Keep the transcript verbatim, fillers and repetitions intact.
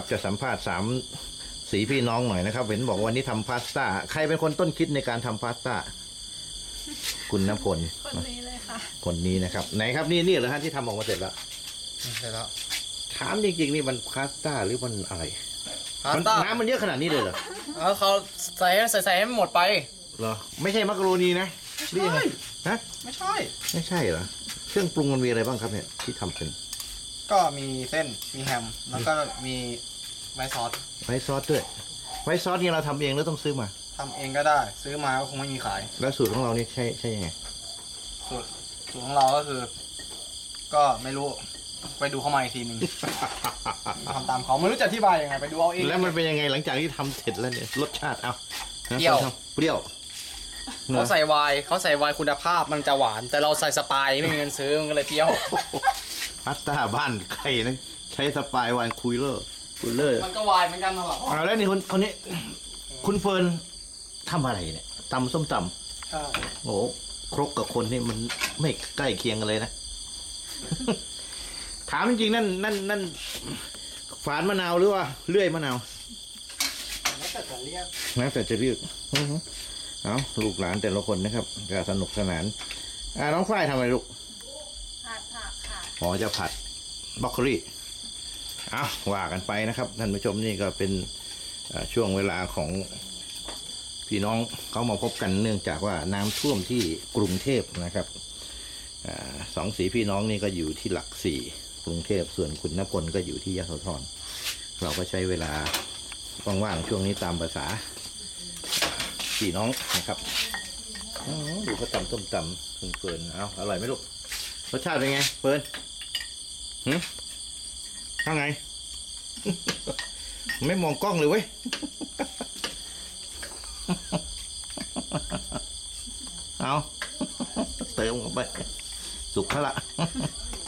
จะสัมภาษณ์สามสีพี่น้องหน่อยนะครับเห็นบอกวันนี้ทำพาสต้าใครเป็นคนต้นคิดในการทำพาสต้าคุณณพลคนนี้เลยค่ะคนนี้นะครับไหนครับนี่นี่เหรอฮะที่ทำออกมาเสร็จแล้วใช่แล้วถามจริงๆนี่มันพาสต้าหรือมันอะไรพาสมันต้าน้ำมันเยอะขนาดนี้เลยเหรอแล้วเขาใส่ใส่ใส่ให้มันหมดไปเหรอไม่ใช่มักกะโรนีนะหรือยังไงฮะไม่ใช่ไม่ใช่เหรอเครื่องปรุงมันมีอะไรบ้างครับเนี่ยที่ทำเป็นก็มีเส้นมีแฮมแล้วก็มีไวท์ซอสไวท์ซอสด้วยไวท์ซอสนี่เราทำเองหรือต้องซื้อมาทำเองก็ได้ซื้อมาก็คงไม่มีขายแล้วสูตรของเรานี่ใช่ใช่ยังไงสูตรสูตรของเราก็คือ ก็ไม่รู้ไปดูเข้ามาอีกทีหนึ่ง ทำตามเขาไม่รู้จะอธิบายยังไงไปดูเอาเองแล้วมันเป็นยังไงหลังจากที่ทำเสร็จแล้วเนี่ยรสชาติเอานะเปรี้ยวเปรี้ยวเขาใส่ไวน์เขาใส่ไวน์คุณภาพมันจะหวาน แต่เราใส่สปายไม่มีเงินซื้อมันก็เลยเปรี้ยวพาสต้าบ้านใครนะใช้สปายไวน์คูลเลอร์คูลเลอร์มันก็วายเหมือนกันนะหรอเอาแล้วนี่คนคนนี้คุณเฟิร์นทำอะไรเนี่ยตำส้มตใช่ำโอ้โหครกกับคนนี่มันไม่ใกล้เคียงกันเลยนะ ถามจริงๆนั่นนั่นนั่นฝานมะนาวหรือว่าเลื่อยมะนาวแล้วแต่จะเรียกนะแต่จะเรียกอื้อหือเอาลูกหลานแต่ละคนนะครับก็สนุกสนานอ่าน้องฝ้ายทำอะไรลูกผัดผักค่ะอ๋อจะผัดบล็อกโคลี่เอาว่ากันไปนะครับท่านผู้ชมนี่ก็เป็นเอ่อช่วงเวลาของพี่น้องเขามาพบกันเนื่องจากว่าน้ำท่วมที่กรุงเทพนะครับอาสองสีพี่น้องนี่ก็อยู่ที่หลักสี่กรุงเทพส่วนคุณณพลก็อยู่ที่ยโสธรเราก็ใช้เวลาว่างๆช่วงนี้ตามภาษาพี่น้องนะครับอื้อหือดูเขาตำต้มตำคุณเฟิร์นเอาอร่อยไหมลูกรสชาติเป็นไงเฟิร์นหืมข้างไง ไม่มองกล้องเลยเว้ย เอา เติมเข้าไป สุกแล้วล่ะ